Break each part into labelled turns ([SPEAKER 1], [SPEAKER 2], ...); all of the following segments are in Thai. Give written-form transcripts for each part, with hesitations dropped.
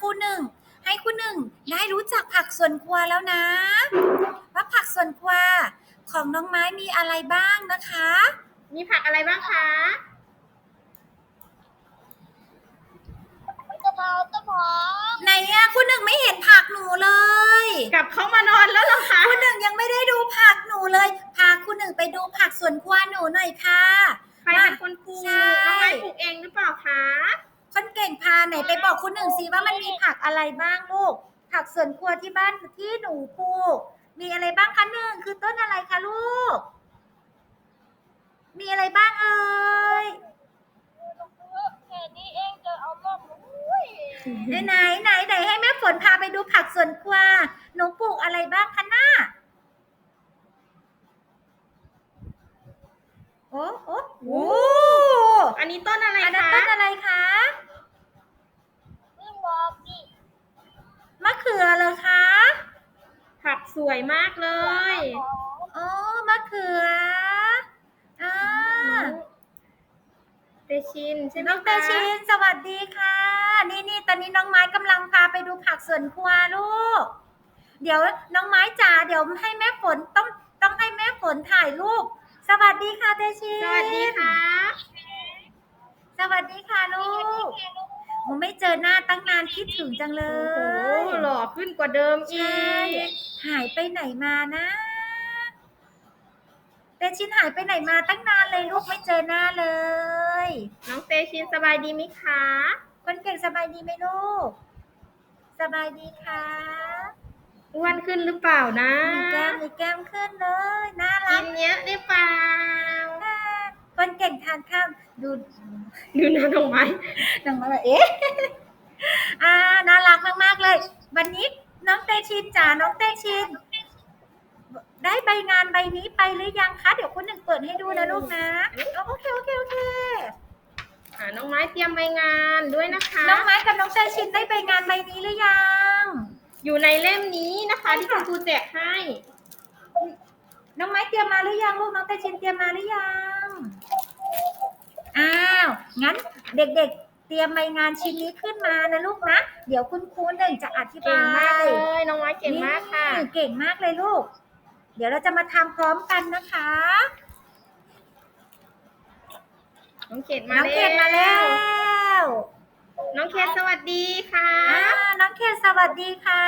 [SPEAKER 1] รูหนึ่งให้ครูหนึ่งได้รู้จักผักสวนครัวแล้วนะว่าผักสวนครัวของน้องไม้มีอะไรบ้างนะคะ
[SPEAKER 2] มีผักอะไรบ้างคะ
[SPEAKER 3] กะเพราต้นหอม
[SPEAKER 1] ไหนอะครูหนึ่งไม่เห็นผักหนูเลย
[SPEAKER 2] กลับเข้ามานอนแล้วเหรอคะ
[SPEAKER 1] ครูหนึ่งยังไม่ได้ดูผักหนูเลยพาครูหนึ่งไปดูผักสวนครัวหนูหน่อยค่ะ
[SPEAKER 2] ใครเป็นคนปลูกน้องไม้ปลูกเองหรือเปล่าคะ
[SPEAKER 1] คนเก่งพาไหนไปบอกครูหนึ่งสิว่ามันมีผักอะไรบ้างลูกผักสวนครัวที่บ้านที่หนูปลูกมีอะไรบ้างคะหนึ่งคือต้นอะไรคะลูกมีอะไรบ้างเอ่ย
[SPEAKER 3] แค่นี้เองจะเอารอบ
[SPEAKER 1] ไหนให้แม่ฝนพาไปดูผักสวนครัวหนูปลูกอะไรบ้างคะน้าโอ้
[SPEAKER 2] อันนี้ต้นอะไรคะ
[SPEAKER 1] อันนั้นต้นอะไรคะ
[SPEAKER 3] ขึ้นบอกดิ
[SPEAKER 1] มะเขือเหรอคะ
[SPEAKER 2] ผักสวยมากเลย
[SPEAKER 1] อ๋อมะเขือ
[SPEAKER 2] เตชินใช่ไหมคะ
[SPEAKER 1] น้องเตชินสวัสดีค่ะนี่ตอนนี้น้องไม้กำลังพาไปดูผักสวนครัวลูกเดี๋ยวน้องไม้จ๋าเดี๋ยวให้แม่ฝนต้องให้แม่ฝนถ่ายรูปสวัสดีค่ะเตชิน
[SPEAKER 2] สวัสดีค่ะ
[SPEAKER 1] สวัสดีค่ะลูกหนูไม่เจอหน้าตั้งนานคิดถึงจังเลย
[SPEAKER 2] โอ้หล่อขึ้นกว่าเดิมอีก
[SPEAKER 1] หายไปไหนมานะเตชินหายไปไหนมาตั้งนานเลยลูกไม่เจอหน้าเลย
[SPEAKER 2] น้องเตชินสบายดีไหมคะ
[SPEAKER 1] คนเก่งสบายดีไหมลูกสบายดีค่ะ
[SPEAKER 2] อ้วนขึ้นหรือเปล่านะ
[SPEAKER 1] มีแก้มขึ้นเลยน่ารัก
[SPEAKER 2] กินเยอะหรือเปล่า
[SPEAKER 1] คนเก่งทานข้าวดู
[SPEAKER 2] นะน้องไม้
[SPEAKER 1] แบบน่ารักมากๆเลยวันนี้น้องเตชินจ๋าน้องเตชินได้ใบงานใบนี้ไปหรือยังคะเดี๋ยวคุณหนึ่งเปิดให้ดูนะลูกนะโอเค
[SPEAKER 2] น้องไม้เตรียมใบงานด้วยนะคะ
[SPEAKER 1] น้องไม้กับน้องเตชินได้ใบงานใบนี้หรือยัง
[SPEAKER 2] อยู่ในเล่มนี้นะคะที่คุณครูแจกให้
[SPEAKER 1] น้องไม้เตรียมมาหรือยังลูกน้องเตชินเตรียมมาหรือยังงั้นเด็กๆเตรียมใบงานชิ้นนี้ขึ้นมานะลูกนะเดี๋ยวคุณครูหนึ่งจะอธิบาย
[SPEAKER 2] เก่งมากเลยน้องไม้เก่งมากค่ะ
[SPEAKER 1] เก่งมากเลยลูกเดี๋ยวเราจะมาทำพร้อมกันนะคะ
[SPEAKER 2] น้องเขตมาแล้ว น้องเขตสวัสดีค่ะ
[SPEAKER 1] น้องเขตสวัสดีค่ะ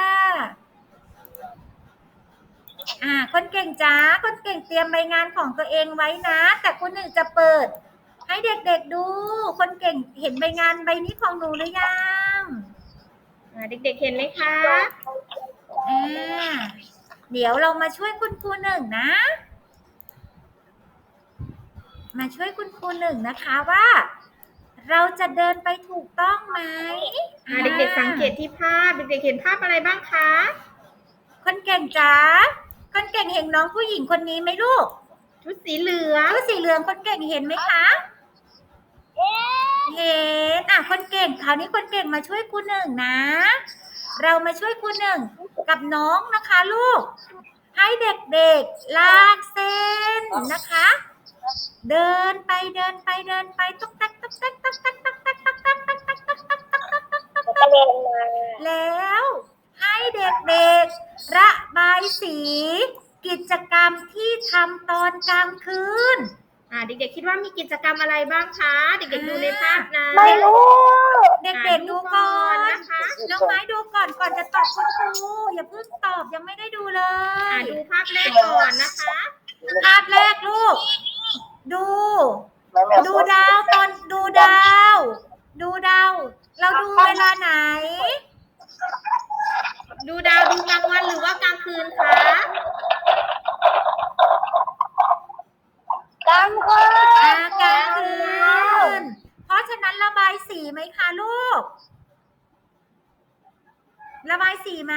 [SPEAKER 1] คนเก่งจ้าคนเก่งเตรียมใบงานของตัวเองไว้นะแต่คุณหนึ่งจะเปิดให้เด็กๆดูคนเก่งเห็นใบงานใบนี้ของหนูหรือยัง
[SPEAKER 2] เด็กๆเห็นไหมคะ
[SPEAKER 1] เดี๋ยวเรามาช่วยคุณครูหนึ่งนะมาช่วยคุณครูหนึ่งนะคะว่าเราจะเดินไปถูกต้องไหม
[SPEAKER 2] เด็กๆสังเกตที่ภาพเด็กๆเห็นภาพอะไรบ้างคะ
[SPEAKER 1] คนเก่งจ๋าคนเก่งเห็นน้องผู้หญิงคนนี้ไหมลูก
[SPEAKER 2] ชุดสีเหลือง
[SPEAKER 1] คนเก่งเห็นไหมคะเห็นคนเก่งคราวนี้คนเก่งมาช่วยครูหนึ่งนะเรามาช่วยครูหนึ่งกับน้องนะคะลูกให้เด็กๆลากเส้นนะคะเดินไปตุ๊กตักแล้วให้เด็กๆระบายสีกิจกรรมที่ทำตอนกลางคืน
[SPEAKER 2] เด็กๆคิดว่ามีกิจกรรมอะไรบ้างคะเด็กๆดูในภาพนะ
[SPEAKER 3] ไม่รู้
[SPEAKER 1] เด็กๆดูก่อนนะคะน้องไม้ดูก่อนจะตอบคุณครูอย่าเพิ่งตอบยังไม่ได้ดูเลย
[SPEAKER 2] ดูภาพแรกก่อนนะคะ
[SPEAKER 1] ภาพแรกลูกดูดาวเราดูเวลาไหน
[SPEAKER 2] ดูดาวดูกลางวันหรือว่ากลางคืนคะ
[SPEAKER 3] กลางคื
[SPEAKER 1] นเพราะฉะนั้นระบายสีไหมคะลูกระบายสีไหม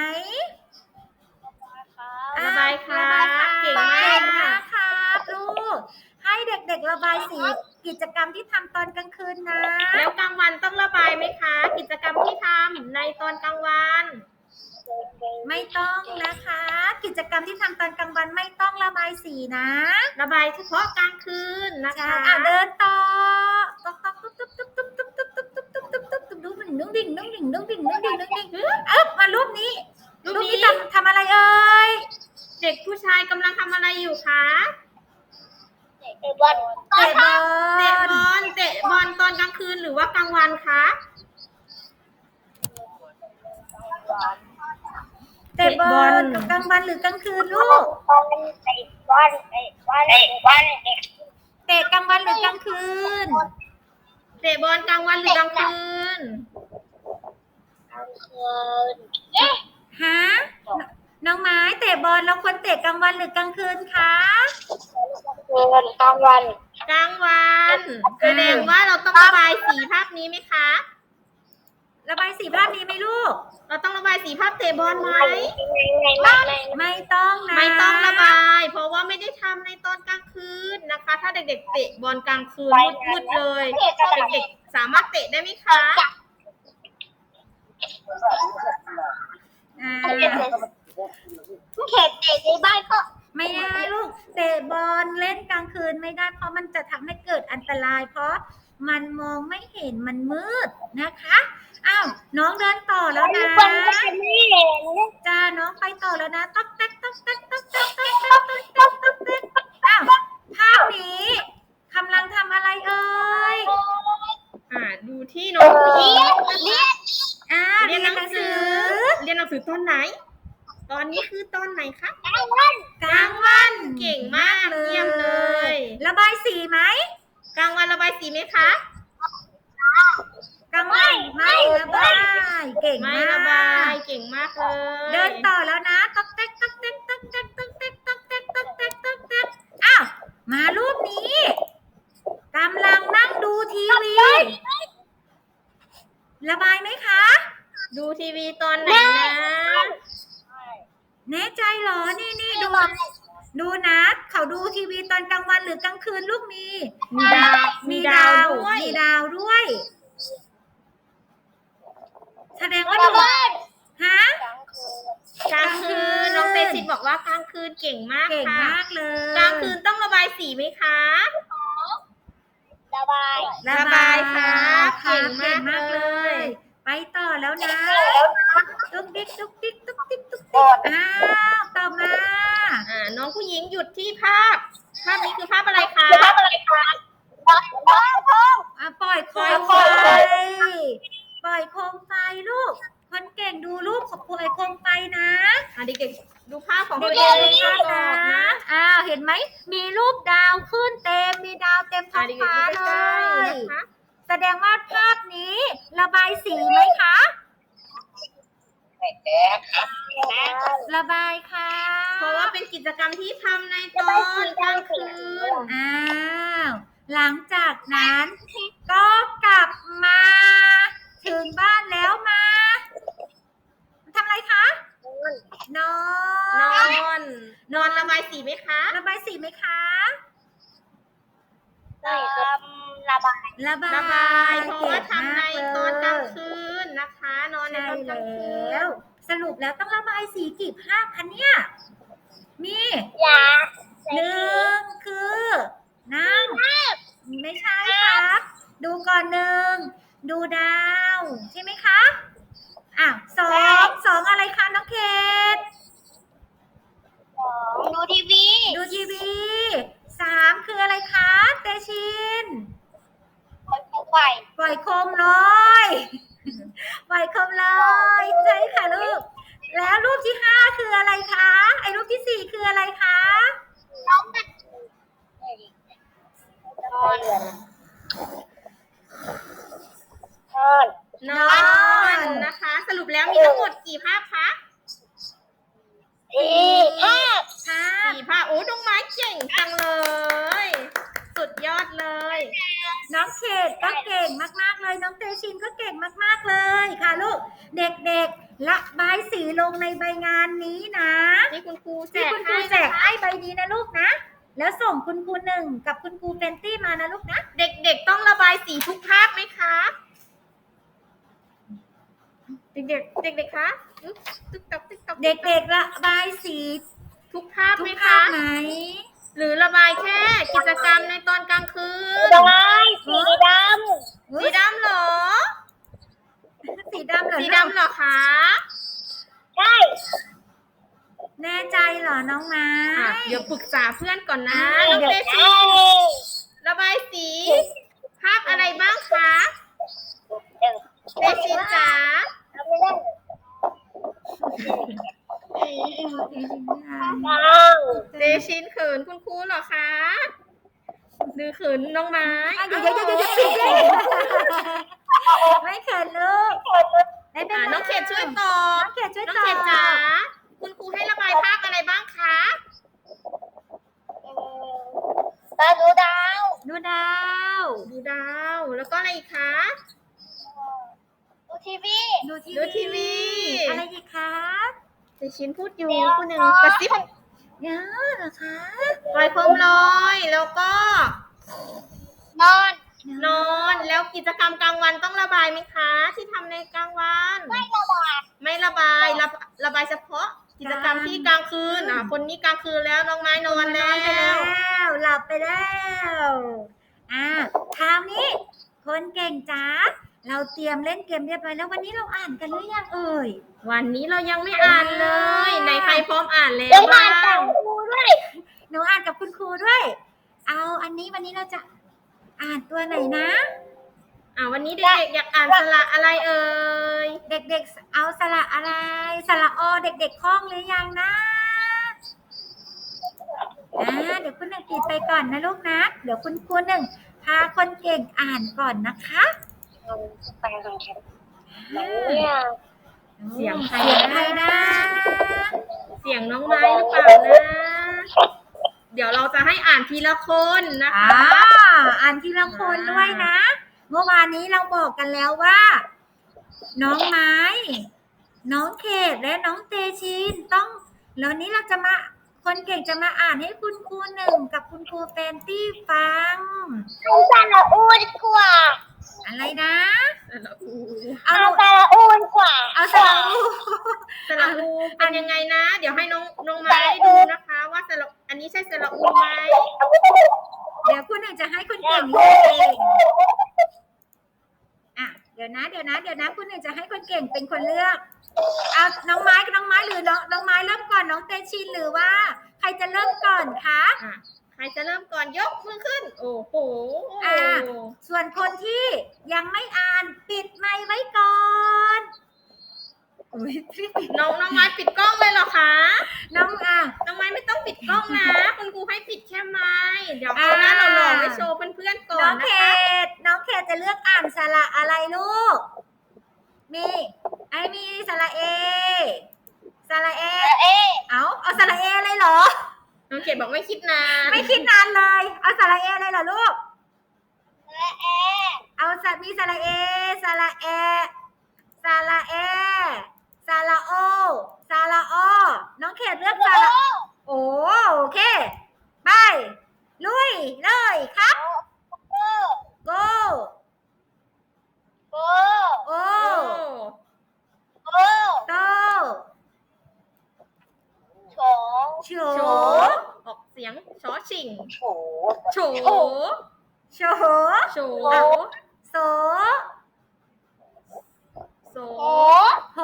[SPEAKER 2] ระบายค่ะเก่งมาก
[SPEAKER 1] ครับลูกให้เด็กๆระบายสีกิจกรรมที่ทำตอนกลางคืนนะ
[SPEAKER 2] แล้วกลางวันต้องระบายไหมคะกิจกรรมที่ทำในตอนกลางวัน
[SPEAKER 1] ไม่ต้องนะคะกิจกรรมที่ทำตอนกลางวันไม่ต้องระบายสีนะ
[SPEAKER 2] ระบายเฉพาะกลางคืนนะคะ
[SPEAKER 1] เดินต่อดูมันนุ่งดิ่งนุ่งดิ่งนุ่งดิ่งนุ่งดิ่งนุ่งดิ่งมารูปนี้
[SPEAKER 2] รูป
[SPEAKER 1] รูป
[SPEAKER 2] นี้
[SPEAKER 1] นี้ทำอะไรเอ่ย
[SPEAKER 2] เด็กผู้ชายกำลังทำอะไรอยู่คะ
[SPEAKER 3] เตะบอล
[SPEAKER 1] เตะบอ
[SPEAKER 2] เตะบอลตอนกลางคืนหรือว่ากลางวันคะ
[SPEAKER 1] เตะบอลกลางวันหรือกลางคืนลูก
[SPEAKER 3] เตะบอลเตะบอลเตะบอล
[SPEAKER 1] เตะกลางวันหรือกลางคืน
[SPEAKER 2] เตะบอลกลางวันหรือกลางคืน
[SPEAKER 1] ฮะน้องไม้เตะบอลเราควรเตะกลางวันหรือกลางคืนคะ
[SPEAKER 3] กลางวัน
[SPEAKER 2] กลางวันแสดงว่าเราต้องระบายสีภาพนี้ไหมคะ
[SPEAKER 1] ระบายสีภาพนี้ไหมลูก
[SPEAKER 2] เราต้องระบายสีภาพเตะบอลไหม
[SPEAKER 1] ไม่ต้องนะ
[SPEAKER 2] ไม่ต้องระบาย เพราะว่าไม่ได้ทำในตอนกลางคืนนะคะ ถ้าเด็กๆเตะบอลกลางคืนมืดๆเลยเด็กๆสามารถเตะได้ไหมคะ
[SPEAKER 1] อ่า
[SPEAKER 3] เขตเตะในบ้านก็
[SPEAKER 1] ไม่ได้ลูกเตะบอลเล่นกลางคืนไม่ได้เพราะมันจะทำให้เกิดอันตราย เพราะมันมองไม่เห็นมันมืดนะคะอ้าวน้องเดินต่อแล้วนะ
[SPEAKER 3] คนก็จะไม่เห็น
[SPEAKER 1] จ้าน้องไปต่อแล้วนะต๊อกแต๊กต๊อกแต๊กต๊อกแต๊กต๊อกแต๊กต๊อกแต๊กต๊อกแต๊กอ้าวภาพนี้กำลังทำอะไรเอ่ย
[SPEAKER 2] ดูที่น้องผู้หญิง
[SPEAKER 1] เรียนหนังสือ
[SPEAKER 2] เรียนหนังสือตอนไหน ตอนนี้คือตอนไหนคะ
[SPEAKER 1] กลางวัน
[SPEAKER 2] เก่งมากเยี่ยมเลย
[SPEAKER 1] ระบายสีไหม
[SPEAKER 2] กลางวันระบายสีไหมคะ
[SPEAKER 1] กลางวันไม่ระบายเก่ง
[SPEAKER 2] ไม่
[SPEAKER 1] มาก
[SPEAKER 2] ระบายเก่งมากเลย
[SPEAKER 1] เดินต่อแล้วนะต๊อกแต๊กต๊อกแต๊กต๊อกแต๊กต๊อกแต๊กต๊อกแต๊กต๊อกแต๊กต๊อกแต๊กอ้าวมารูปนี้กำลังนั่งดูทีวี ระบายไหมคะ
[SPEAKER 2] ดูทีวีตอนไหนนะ
[SPEAKER 1] แน่ใจเหรอนี่ดูนะเขาดูทีวีตอนกลางวันหรือกลางคืนลูกมี
[SPEAKER 2] มีดาวด้วย
[SPEAKER 1] มีดาวด้วย แสดงว่าดูฮะ
[SPEAKER 2] กลางคืนน้องเตชิตบอกว่ากลางคืนเก่งมาก
[SPEAKER 1] เก่ง
[SPEAKER 2] ค่ะ
[SPEAKER 1] มากเลย
[SPEAKER 2] กลางคืนต้องระบายสีไหมคะ
[SPEAKER 3] ระบาย
[SPEAKER 2] ระบายครับ
[SPEAKER 1] เก่ง
[SPEAKER 2] เก่งมากเลย
[SPEAKER 1] ไปต่อแล้วนะตุ๊กติ๊กตุ๊กติ๊กตุ๊กติ๊กตุ๊กติ๊กอ้าวต่อมา
[SPEAKER 2] น้องผู้หญิงหยุดที่ภาพนี้คือภาพอะไรคะ
[SPEAKER 3] ภาพอะไรคะท้อง
[SPEAKER 1] ปล่อยโคมไฟปล่อยโคมไฟลูก คนเก่งดูรูปของปล่อยโคมไฟนะ
[SPEAKER 2] เด็กๆดูภาพของ
[SPEAKER 1] เด็
[SPEAKER 2] ตัว
[SPEAKER 1] ก
[SPEAKER 2] เอง
[SPEAKER 1] ๆดู
[SPEAKER 2] ก่
[SPEAKER 1] ภาพ
[SPEAKER 2] อน
[SPEAKER 1] นะ
[SPEAKER 2] นะ
[SPEAKER 1] เห็นไหมมีรูปดาวขึ้นเต็มมีดาวเต็มท้อง
[SPEAKER 2] เด็กๆ
[SPEAKER 1] ฟ้า
[SPEAKER 2] ดู
[SPEAKER 1] เล
[SPEAKER 2] ใกล้ๆ
[SPEAKER 1] ย
[SPEAKER 2] นะคะ
[SPEAKER 1] แสดงว่าภาพนี้ระบายสีไหมคะ ระบายค่ะ
[SPEAKER 2] เพราะว่าเป็นกิจกรรมที่ทำในตอนกลางคืน
[SPEAKER 1] หลังจากนั้นก็กลับมาถึงบ้านแล้วมาทำอะไรคะนอน
[SPEAKER 2] นอนระบายสีไหมคะ
[SPEAKER 1] ระบายสีไหมคะ
[SPEAKER 3] ระบาย
[SPEAKER 1] ระบาย
[SPEAKER 2] ระบายเพราะว่าทำในตอนกลาง
[SPEAKER 1] น
[SPEAKER 2] คืนนะคะ นอนใน
[SPEAKER 1] ใช่
[SPEAKER 2] ตอนกลางคื
[SPEAKER 1] แล้
[SPEAKER 2] น
[SPEAKER 1] ว สรุปแล้วต้องระบายสีกี่ภาพคะเนี่ยมี
[SPEAKER 3] ยา
[SPEAKER 1] หนึ่งคือนั่งไม่ใช่ครับ ดูก่อนหนึ่งดูดาวใช่ไหมคะสองอะไรคะน้องเคท
[SPEAKER 3] ดูทีวี
[SPEAKER 1] ดูทีวีสามคืออะไรคะเตชิน
[SPEAKER 3] คนไฟ
[SPEAKER 1] ปล่อยโคมลอยปล่อยโคมลอยใช่ค่ะลูกแล้วรูปที่ห้าคืออะไรคะไอ้รูปที่สี่คืออะไรคะ
[SPEAKER 3] น้องมันนอน
[SPEAKER 2] นะคะ สรุปแล้วมีทั้งหมดกี่ภาพคะ
[SPEAKER 3] ภาพ
[SPEAKER 1] ค่ะ
[SPEAKER 2] 4 ภาพโอ้น้องไม้เก่งจังเลย สุดยอดเลย
[SPEAKER 1] น้องเขตก็เก่งมากๆเลยน้องเตชินก็เก่งมากๆเลยค่ะลูกเด็กๆระบายสีลงในใบงานนี้นะ
[SPEAKER 2] นี่คุณครูแจ
[SPEAKER 1] ที่
[SPEAKER 2] ก
[SPEAKER 1] คุณครู
[SPEAKER 2] ให้
[SPEAKER 1] แจกให้ใบนี้นะลูกนะแล้วส่งคุณครูหนึ่งกับคุณครูเฟนตี้มานะลูกนะ
[SPEAKER 2] เด็กๆต้องระบายสีทุกภาพไหมคะเด็กๆคะติ๊กต๊อกติ๊กต๊อก
[SPEAKER 1] เด็กๆระบายสี
[SPEAKER 2] ทุกภาพ
[SPEAKER 1] ทุ
[SPEAKER 2] ไหม
[SPEAKER 1] กภา
[SPEAKER 2] คะ
[SPEAKER 1] พไหม
[SPEAKER 2] หรือระบายแค่กิจกรรมในตอนกลางคืน
[SPEAKER 3] ระบายสีด
[SPEAKER 2] สีดำเหรอ
[SPEAKER 3] ำ
[SPEAKER 1] สีดำเหรอ
[SPEAKER 2] สี
[SPEAKER 1] ลูก
[SPEAKER 2] ดำเหรอคะ
[SPEAKER 3] ใช่
[SPEAKER 1] แน่ใจเหรอน้องไม้
[SPEAKER 2] เดี๋ยวปรึกษาเพื่อนก่อนนะ
[SPEAKER 1] อ่า
[SPEAKER 2] น้องเตชินระบายสี ภาพอะไรบ้างคะเตชินจ๋า เตชินเขินคุณครูเหรอคะหรือเขินน้องไม้
[SPEAKER 1] อ่ะเดี๋ยวปิดเลย ไม่เขินลูกไม่เป็นไร
[SPEAKER 2] น้องเขตช่วยตอบ
[SPEAKER 1] น้องเขตช่วย
[SPEAKER 2] น้อง
[SPEAKER 1] ตอบ
[SPEAKER 2] เขตจ๋าคุณครูให้ระบายภาพอะไรบ้างคะ
[SPEAKER 3] ตาดูดาว
[SPEAKER 1] ดูดาว
[SPEAKER 2] ดูดาว แล้วก็อะไรอีกคะ
[SPEAKER 3] ดูทีวี
[SPEAKER 1] ดูที
[SPEAKER 2] ดูทีวี
[SPEAKER 1] อะไรอีกครับ
[SPEAKER 2] เตชินพูดอยู่คนหนึ่งกระซิบ
[SPEAKER 1] เยอะเหรอคะ
[SPEAKER 2] ปล่อยโคมลอยแล้วก็
[SPEAKER 3] นอน
[SPEAKER 2] นอนแล้วกิจกรรมกลางวันต้องระบายไหมคะ ที่ทำในกลางวัน
[SPEAKER 3] ไม่ระบาย
[SPEAKER 2] ไม่ระบายระบายเฉพาะกิจกรรมที่กลางคืนคนนี้กลางคืนแล้วน้องไม้นอนแล้ว
[SPEAKER 1] หลับไปแล้วคราวนี้ คนเก่งจ้าเราเตรียมเล่นเกมเรียบร้อยแล้ววันนี้เราอ่านกันหรือยังเอ่ย
[SPEAKER 2] วันนี้เรายังไม่อ่านเลยไหนใครพร้อมอ่านแล้ว
[SPEAKER 3] เดี๋ยวมา
[SPEAKER 2] บ้า
[SPEAKER 3] แต่
[SPEAKER 2] ง
[SPEAKER 3] งครูด้วย
[SPEAKER 1] หนูอ่านกับคุณครูด้วย เอาอันนี้วันนี้เราจะอ่านตัวไหนนะ
[SPEAKER 2] วันนี้เด็กๆอยากอ่านสระอะไรเอ่ย
[SPEAKER 1] เด็กๆ เอาสระอะไร สระอเด็กๆคล่องหรือยังนะเดี๋ยวคุณหนึ่งปิดไปก่อนนะลูกนะ เดี๋ยวคุณครูหนึ่งพาคนเก่งอ่านก่อนนะคะ
[SPEAKER 3] ไปตรงแคมป์เนี่ย
[SPEAKER 2] เสียงใคร
[SPEAKER 1] เสียงใครนะ
[SPEAKER 2] เสียงน้องไม้หรือเปล่านะ เดี๋ยวเราจะให้อ่านทีละคนนะคะ
[SPEAKER 1] อ่านทีละคนด้วยนะ เมื่อวานนี้เราบอกกันแล้วว่า น้องไม้ น้องเขตและน้องเตชินต้องแล้วนี้เราจะมาคนเก่งจะมาอ่านให้คุณครูหนึ่งกับคุณครูแฟนตี้ฟัง
[SPEAKER 3] เอาสระอูดีกว่า
[SPEAKER 1] อะไรนะ
[SPEAKER 3] เอา
[SPEAKER 1] เอา
[SPEAKER 3] สระอูดีกว่า
[SPEAKER 1] เอาสระอู
[SPEAKER 2] สระอูเป็นยังไงนะ เดี๋ยวให้น้องไม้ดูนะคะ ว่าสระอันนี้ใช่สระอูไหม
[SPEAKER 1] เดี๋ยวคุณหนึ่งจะให้คุณเก่งเลือกเองเดี๋ยวนะคุณหนึ่งจะให้คนเก่งเป็นคนเลือกเอาน้องไม้หรือน้องไม้เริ่มก่อนน้องเตชินหรือว่า ใครจะเริ่มก่อนคะ
[SPEAKER 2] ใครจะเริ่มก่อนยกมือขึ้น โอ้โห
[SPEAKER 1] ส่วนคนที่ยังไม่อ่านปิดไมค์ไว้ก่อน
[SPEAKER 2] น้องไม้ปิดกล้องเลยเหรอคะ
[SPEAKER 1] น้อง
[SPEAKER 2] น้องไม้ไม่ต้องปิดกล้องนะ คุณครูให้ปิดแค่ไม้เดี๋ยวเอาหน้าหล่อๆไปโชว์เพื่อนๆก่อ
[SPEAKER 1] น้อน ง
[SPEAKER 2] นะ
[SPEAKER 1] เข
[SPEAKER 2] คะ
[SPEAKER 1] ตน้องเขตจะเลือกอ่านสระอะไรลูกมีสระเอสระเอ เอาสระเออะไรเหรอ
[SPEAKER 2] น้องเขตบอกไม่คิดนาน
[SPEAKER 1] ไม่คิดนานเลย เอาสระเออะไรเหรอลูก เอามีสระเอสระเอสระเอสระโอสระอน้องเขตเลือกสระโอเคไปลุยเลยครับ go โอ
[SPEAKER 2] โอ้
[SPEAKER 1] โต โฉ
[SPEAKER 2] โฉออกเสียงชอชิงโฉ
[SPEAKER 1] โฉ
[SPEAKER 2] โฉ
[SPEAKER 1] โส
[SPEAKER 2] โส
[SPEAKER 1] โห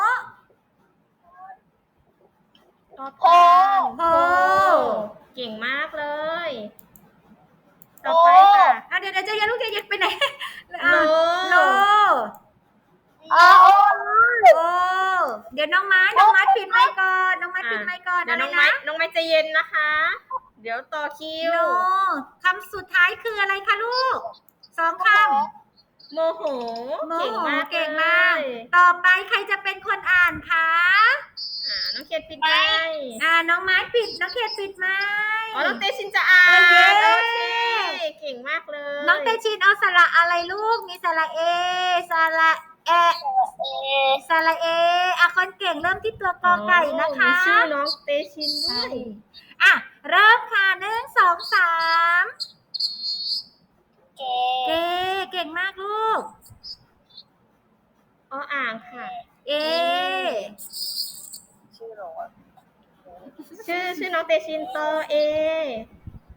[SPEAKER 2] ตอบ
[SPEAKER 3] โห
[SPEAKER 2] โหเก่งมากเลย ต่อไปค่ะ
[SPEAKER 1] เดี๋ยวจะยันลูกจะไปไหน
[SPEAKER 2] โล
[SPEAKER 1] โล โอ้เดี๋ยวน้องไม้ปิดไมค์ก่อนน้องไม้ปิดไมค์ก่อน
[SPEAKER 2] เดี๋ยว
[SPEAKER 1] อะไร
[SPEAKER 2] น้องไม้ใจเย็นนะคะ เดี๋ยวต่อคิว
[SPEAKER 1] โนคำสุดท้ายคืออะไรคะลูก2 คำ
[SPEAKER 2] โมโห
[SPEAKER 1] โม
[SPEAKER 2] เก่ง
[SPEAKER 1] โห
[SPEAKER 2] มาก
[SPEAKER 1] เก่งมาก
[SPEAKER 2] เลย
[SPEAKER 1] ต่อไปใครจะเป็นคนอ่านคะ
[SPEAKER 2] น้องเขตปิดไมค์
[SPEAKER 1] น้องไม้ปิดน้องเขตปิดไมค์
[SPEAKER 2] น้องเตชินจะอ่าน
[SPEAKER 1] เย้
[SPEAKER 2] โอเคเก่งมากเลย
[SPEAKER 1] น้องเตชินเอาสระอะไรลูกมีสระเอสระแอสระเอคนเก่งเริ่มที่ตัวกอไก่นะคะ
[SPEAKER 2] มีชื่อน้องเตชินด้วย
[SPEAKER 1] เริ่มค่ะ1 2 3เก่งมากลูก
[SPEAKER 2] อ่างค่ะ
[SPEAKER 1] เอ
[SPEAKER 2] ชื่อน้องเตชินโตเอ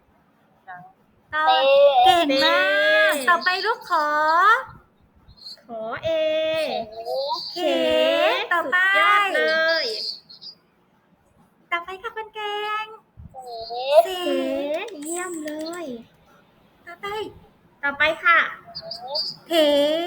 [SPEAKER 1] ต่อเก่งมาก ต่อไปลูกขอ
[SPEAKER 2] ขอเอ
[SPEAKER 1] เขต่อไป
[SPEAKER 2] สุดยอดเลย
[SPEAKER 1] ต่อไปค่ะคนเก่งเส
[SPEAKER 2] เขเยี่ยมเลย
[SPEAKER 1] ต่อไป
[SPEAKER 2] ต่อไปค่ะ
[SPEAKER 1] เถ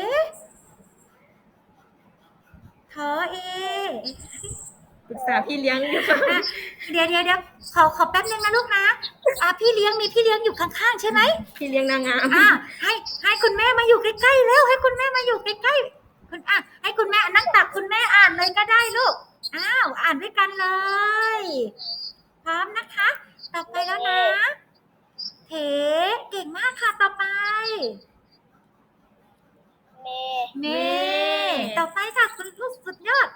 [SPEAKER 1] ทอเอ
[SPEAKER 2] ปรึกษาพี่เลี้ยงอยู่ค่ะ
[SPEAKER 1] อ่ะเดี๋ยวขอแป๊บนึงนะลูกนะพี่เลี้ยงมีพี่เลี้ยงอยู่ข้างๆใช่ไหม
[SPEAKER 2] พี่เลี้ยงนางงาม
[SPEAKER 1] ให้คุณแม่มาอยู่ใกล้ๆแล้วให้คุณแม่มาอยู่ใกล้ๆให้คุณแม่นั่งตักคุณแม่อ่านเลยก็ได้ลูกอ่านด้วยกันเลยพร้อมนะคะ ต่อไปแล้วนะเถเก่งมากค่ะต่อไปเมต่อไปค่ะคุณลูกสุดยอด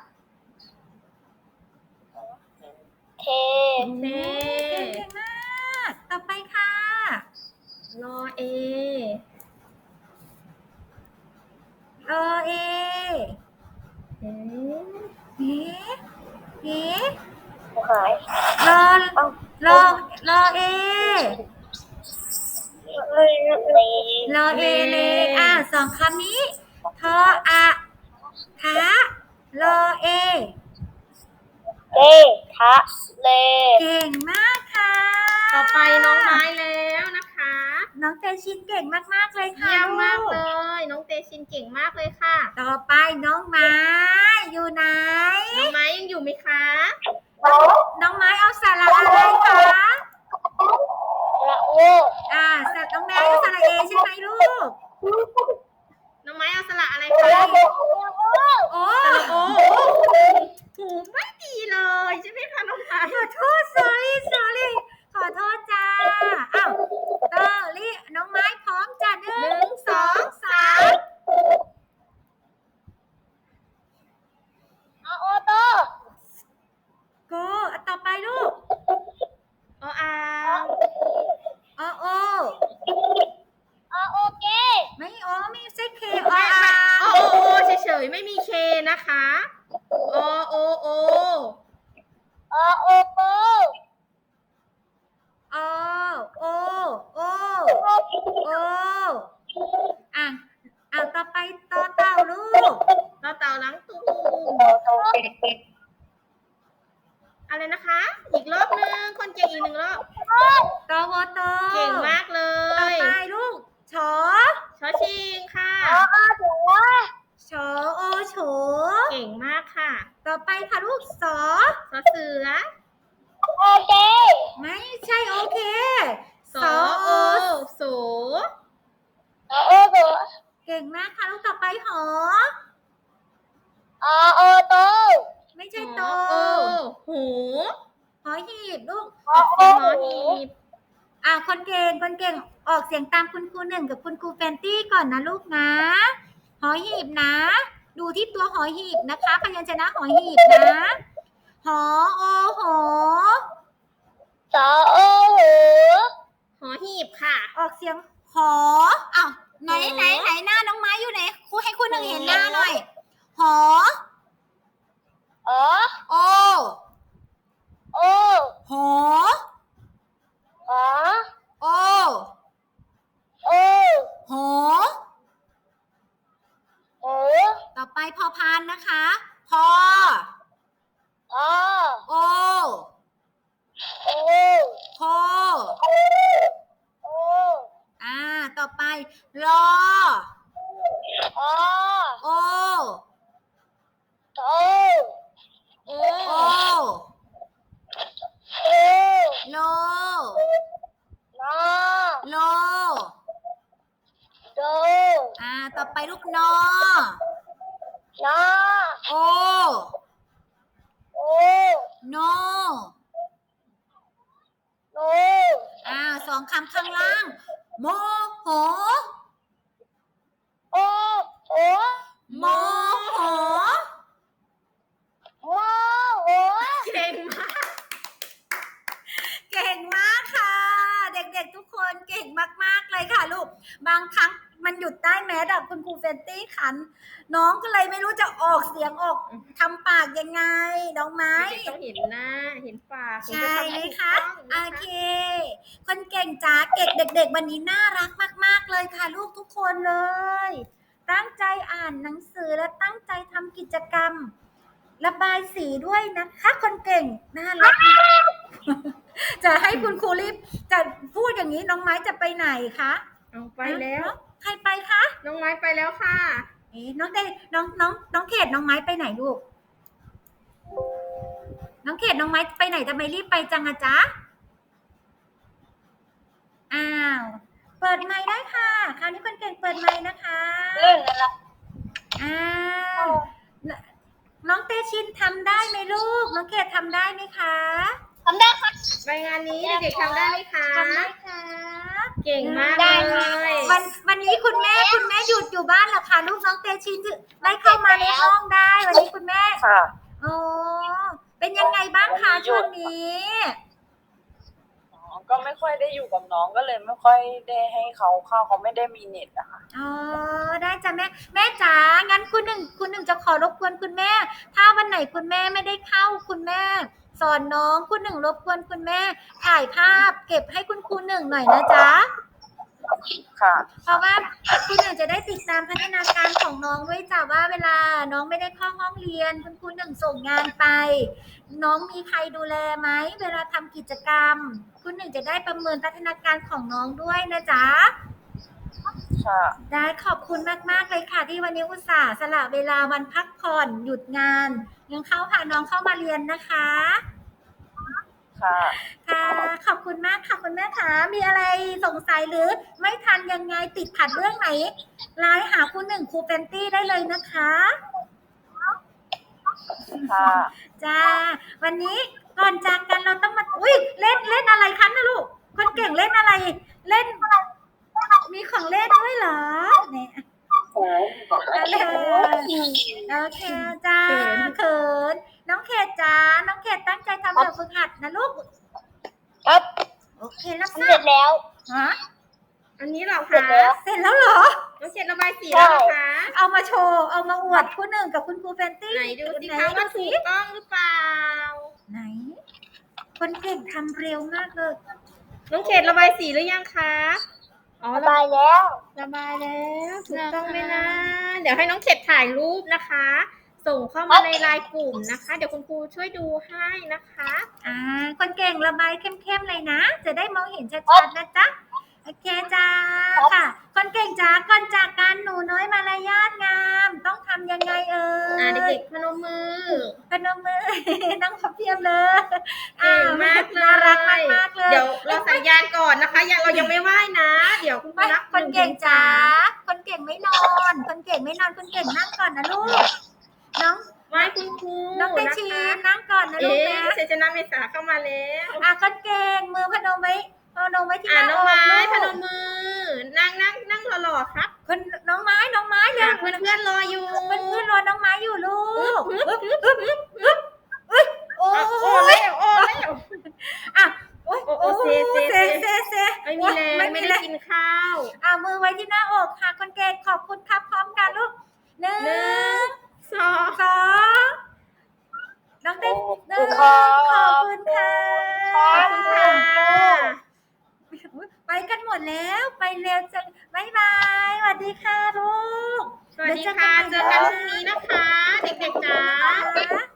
[SPEAKER 3] เท
[SPEAKER 2] เน
[SPEAKER 1] เก่งมากต่อไปค่ะ
[SPEAKER 2] รอเอ
[SPEAKER 1] รอเอ
[SPEAKER 2] เอ๊ะ
[SPEAKER 1] เอ๊ะเอ๊ะ
[SPEAKER 3] หาย
[SPEAKER 1] รอเอ รอเอเลยสองคำนี้ทออะทะรอเอ
[SPEAKER 3] เททะเล
[SPEAKER 1] เก่งมากค่ะ
[SPEAKER 2] ต่อไปน้องไม้แล้วนะคะ
[SPEAKER 1] น้องเตชินเก่งมากๆเลยค่ะ
[SPEAKER 2] เยี่ยมมาก
[SPEAKER 1] ลู
[SPEAKER 2] เลย น้องเตชินเก่งมากเลยค่ะ
[SPEAKER 1] ต่อไปน้องไม้อยู่ไหน
[SPEAKER 2] น้องไม้ยังอยู่ไหมคะ
[SPEAKER 1] น้องไม้เอาสาระอะไรคะ
[SPEAKER 3] ละโอ
[SPEAKER 1] สัตว์น้องแม่เอาสาระเอใช่ไหมลูก
[SPEAKER 2] น้องไม้เอาสระอะไร
[SPEAKER 3] ละ
[SPEAKER 2] คะ
[SPEAKER 3] โอ
[SPEAKER 1] โอ้
[SPEAKER 2] สระโอหูไม่ดีเลยใช่ไหมคะน้องไม้
[SPEAKER 1] ขอโทษ sorry ขอโทษจ้าน้องไม้พร้อมจ้ะ1 2 3
[SPEAKER 3] อาโอโต
[SPEAKER 1] โกต่อไปลูก
[SPEAKER 2] ออ่าง
[SPEAKER 1] โอ
[SPEAKER 3] อาโอเก
[SPEAKER 1] ไม่ไม่ใช่เค
[SPEAKER 2] โอเฉยๆไม่มีเคนะคะโอ
[SPEAKER 3] อาโอโก
[SPEAKER 1] โอโอต่อไปต่อเต่าลูก
[SPEAKER 2] ต่อเต่าล้างตูอะไรนะคะ อีกรอบนึงคนเก่งอีกหนึ่งรอบ
[SPEAKER 1] ตวโต
[SPEAKER 2] เก่งมากเล
[SPEAKER 1] ต่อย ไปลูกชอ
[SPEAKER 2] ชอชิงค่ะ
[SPEAKER 3] อาถึงว่า
[SPEAKER 1] ชอโอโฉ
[SPEAKER 2] เก่งมากค่ะ
[SPEAKER 1] ต่อไปค่ะลูกสอ
[SPEAKER 2] สอเสือ
[SPEAKER 3] โอเค
[SPEAKER 1] ไม่ใช่โอเค
[SPEAKER 2] สอโอโส
[SPEAKER 3] อาโอโต
[SPEAKER 1] เก่งมากค่ะลูกต่อไปหอ
[SPEAKER 3] อาโอโต
[SPEAKER 1] ไม่ใช่โต
[SPEAKER 2] โอหู
[SPEAKER 1] หอหีบลูก
[SPEAKER 3] อาโอ
[SPEAKER 2] หอหีบ
[SPEAKER 1] คนเก่งออกเสียงตามคุณครูหนึ่งกับคุณครูแฟนตี้ก่อนนะลูกนะ หอหีบนะ ดูที่ตัวหอหีบนะคะพยัญชนะหอหีบนะหอโอหอ
[SPEAKER 3] สอโอหู
[SPEAKER 2] หอหีบค่ะ
[SPEAKER 1] ออกเสียงหอไหนหน้าน้องไม้อยู่ไหนครูให้คุณหนึ่งเห็นหน้าหน่อยหอ
[SPEAKER 3] อ๋อ
[SPEAKER 1] โอ
[SPEAKER 3] โอ
[SPEAKER 1] หอ
[SPEAKER 3] อ๋อ
[SPEAKER 1] โอ
[SPEAKER 3] โอ
[SPEAKER 1] หอ
[SPEAKER 3] โอ้
[SPEAKER 1] ต่อไปพอพานนะคะพอ
[SPEAKER 3] อ๋อ
[SPEAKER 1] โอ
[SPEAKER 3] โอ้
[SPEAKER 1] โค
[SPEAKER 3] โอ้
[SPEAKER 1] ต่อไปรอ
[SPEAKER 3] อ๋อ
[SPEAKER 1] โอ
[SPEAKER 3] โต
[SPEAKER 2] โอ
[SPEAKER 1] โอ
[SPEAKER 3] โอ้
[SPEAKER 1] โล
[SPEAKER 3] นอ
[SPEAKER 1] โล
[SPEAKER 3] โด
[SPEAKER 1] ต่อไปลูกนอ
[SPEAKER 3] นอ
[SPEAKER 1] โอ
[SPEAKER 3] โอ
[SPEAKER 1] โน
[SPEAKER 3] โน
[SPEAKER 1] สองคำข้างล่าง โมโห
[SPEAKER 3] โอโอ
[SPEAKER 1] โมโห
[SPEAKER 3] โมโห
[SPEAKER 2] เก่งมาก
[SPEAKER 1] เก่งมากค่ะ เด็กๆทุกคนเก่งมากๆเลยค่ะลูก บางครั้งมันหยุดได้แม้แต่คุณครูเฟนตี้ขัน น้องก็เลยไม่รู้จะออกเสียงออกทำปากยังไงน้องไม้
[SPEAKER 2] ต้องเห็นหน้า เห็นปากถึง
[SPEAKER 1] ใช่
[SPEAKER 2] จะทำ
[SPEAKER 1] ไหม
[SPEAKER 2] ให้ถูก
[SPEAKER 1] คะ
[SPEAKER 2] ต้อง
[SPEAKER 1] โอ
[SPEAKER 2] นะคะ
[SPEAKER 1] เค คนเก่งจ๋าเก่งเด็กๆวันนี้น่ารักมากๆเลยค่ะลูกทุกคนเลยตั้งใจอ่านหนังสือและตั้งใจทำกิจกรรม ระบายสีด้วยนะคะคนเก่งน่ารัก จะให้คุณครูรีบจะพูดอย่างนี้น้องไม้จะไปไหนคะ
[SPEAKER 2] เอาไปแล้ว
[SPEAKER 1] ใครไปคะ
[SPEAKER 2] น้องไม้ไปแล้วค่ะ
[SPEAKER 1] น้องเต้น้องเขตน้องไม้ไปไหนลูก น้องเขตน้องไม้ไปไหนทำไมรีบไปจังอะจ๊ะอ้าวเปิดไมค์ได้ค่ะคราวนี้คนเก่งเปิดไมค์นะคะ
[SPEAKER 3] เล่นอะไร
[SPEAKER 1] อ้าวน้องเตชินทำได้ไหมลูก น้องเขตทำได้ไหมคะ
[SPEAKER 3] ทำได้ค่ะ
[SPEAKER 2] ไปงานนี้เด็กๆทำได้ไหมคะ
[SPEAKER 1] ทำได้ค่ะ
[SPEAKER 2] เก่งมาก
[SPEAKER 3] ได้
[SPEAKER 2] เล
[SPEAKER 3] ค่ะ
[SPEAKER 2] ย
[SPEAKER 1] วันนี้คุณแม่หยุดอยู่บ้านเหรอคะลูกน้องเตชินได้เข้ามาในห้องได้ วันนี้คุณแม่
[SPEAKER 4] ค่ะ
[SPEAKER 1] โอ้เป็นยังไงบ้างคะช่วงนี้
[SPEAKER 4] ก็ไม่ค่อยได้อยู่กับน้องก็เลยไม่ค่อยได้ให้เขาเข้าเขาไม่ได้มีเน็ตอะค่ะ
[SPEAKER 1] อ๋อได้จ้ะแม่จ๋างั้นคุณหนึ่งจะขอรบกวนคุณแม่ ถ้าวันไหนคุณแม่ไม่ได้เข้าคุณแม่ สอนน้องคุณหนึ่งรบกวนคุณแม่ถ่ายภาพ เก็บให้คุณครูหนึ่งหน่อยนะจ๊ะ
[SPEAKER 4] ค่ะ
[SPEAKER 1] เพราะว่าคุณหนึ่งจะได้ติดตามพัฒนาการของน้องด้วยจ้ะว่าเวลาน้องไม่ได้เข้าห้องเรียนคุณครูหนึ่งส่งงานไป น้องมีใครดูแลไหมเวลาทำกิจกรรม คุณหนึ่งจะได้ประเมินพัฒนาการของน้องด้วยนะจ๊ะ
[SPEAKER 4] ค่ะ
[SPEAKER 1] ได้ขอบคุณมากๆเลยค่ะที่วันนี้อุตส่าห์สละเวลาวันพักผ่อนหยุดงานยังเข้าพาน้องเข้ามาเรียนนะคะ
[SPEAKER 4] ค่ะ
[SPEAKER 1] ค่ะขอบคุณมากค่ะคุณแม่ค่ะมีอะไรสงสัยหรือไม่ทันยังไงติดขัดเรื่องไหนไลน์หาคุณหนึ่งครูเฟนตี้ได้เลยนะคะ
[SPEAKER 4] ค่ะ
[SPEAKER 1] จ้าวันนี้ก่อนจากกันเราต้องมาอุ้ยเล่นอะไรคะนะลูกคนเก่งเล่นอะไรเล่นมีของเล่นด้วยเหรอเนี่ยโอเคจ้าเขินน้องเขตจ้าน้องเขตตั้งใจทำแบบฝึกหัดนะลูก
[SPEAKER 3] ครับ
[SPEAKER 1] โอเครับ
[SPEAKER 3] เสร็จแล้ว
[SPEAKER 1] ฮะ
[SPEAKER 2] อันนี้เหรอ
[SPEAKER 3] เสร็จ
[SPEAKER 2] คะ
[SPEAKER 3] แล้ว
[SPEAKER 1] เสร็จแล้วเหรอ
[SPEAKER 2] น้องเขียนระบายสีแล้วเหรอคะ
[SPEAKER 1] เอามาโชว์เอามาอวดคุณหนึ่งกับคุณครูเฟนตี้
[SPEAKER 2] ไหนดูสิ
[SPEAKER 1] ไหน
[SPEAKER 2] คะว่า
[SPEAKER 1] ดู
[SPEAKER 2] ถู
[SPEAKER 1] สิ
[SPEAKER 2] กต้องหรือเปล่า
[SPEAKER 1] ไหน คนเก่งทำเร็วมากเลย
[SPEAKER 2] น้องเขตระบายสีหรือยังคะอ๋อ
[SPEAKER 3] ระบายแล้ว
[SPEAKER 2] ระบายแล้วถูกต้องไหมนะ เดี๋ยวให้น้องเขตถ่ายรูปนะคะ ส่งเข้ามาในไลน์กลุ่มนะคะ เดี๋ยวคุณครูช่วยดูให้นะคะ
[SPEAKER 1] คนเก่งระบายเข้มๆเลยนะ จะได้มองเห็นชัดๆนะจ๊ะ โอเคจ้าค่ะ คนเก่งจ้าก่อนจากกันหนูน้อยมารยาทงาม ต้องทำยังไงเอ่ย
[SPEAKER 2] เด็กๆพนมมือ
[SPEAKER 1] พนมมือ นั่งพับเพียบเลย
[SPEAKER 2] เก่งมากเลย
[SPEAKER 1] น่ารักมากๆเลย
[SPEAKER 2] เดี๋ยวเราสัญญาณก่อนนะคะเรายังไม่ไหว้นะ เดี๋ยวคุณครูนับ
[SPEAKER 1] คนเก่งจ้าคนเก่งไม่นอน คนเก่งไม่นอนคนเก่งนั่งก่อนนะลูก น้อง
[SPEAKER 2] ไหว้คุณครู
[SPEAKER 1] น้องเต
[SPEAKER 2] นะ
[SPEAKER 1] ชี
[SPEAKER 2] คะ
[SPEAKER 1] นั่งก่อนนะลูกนะ
[SPEAKER 2] เซจนาเมษาเข้ามาแล้ว
[SPEAKER 1] คนเก่งมือพนมไว้ที่หน้า
[SPEAKER 2] น้
[SPEAKER 1] อ
[SPEAKER 2] อง
[SPEAKER 1] ก
[SPEAKER 2] ไม้
[SPEAKER 1] ลูก
[SPEAKER 2] พนมมือ นั่งหล่อๆครับ
[SPEAKER 1] คนน้องไม้เร็ว
[SPEAKER 2] เพื่อนๆรออยู่
[SPEAKER 1] เพื่อนรอน้องไม้อยู่ลูกโอ้
[SPEAKER 2] โอ้เร็วโอ้เร็ว
[SPEAKER 1] โอ้เซ
[SPEAKER 2] ไม่มีแรงไม่ได้กินข้าว
[SPEAKER 1] มือไว้ที่หน้าอกค่ะคนเก่งขอบคุณครับพร้อมกันลูก1
[SPEAKER 2] 1 2
[SPEAKER 1] 2น้องเต้นขอบคุณค่ะ
[SPEAKER 2] ขอบคุณค่ะ
[SPEAKER 1] ไปกันหมดแล้วไปเร็วจังบ๊ายบายสวัสดีค่ะลูก
[SPEAKER 2] สวัสดีค่ะ เจอกันพรุ่งนี้นะคะ เด็กๆจ๋า
[SPEAKER 1] ค่ะ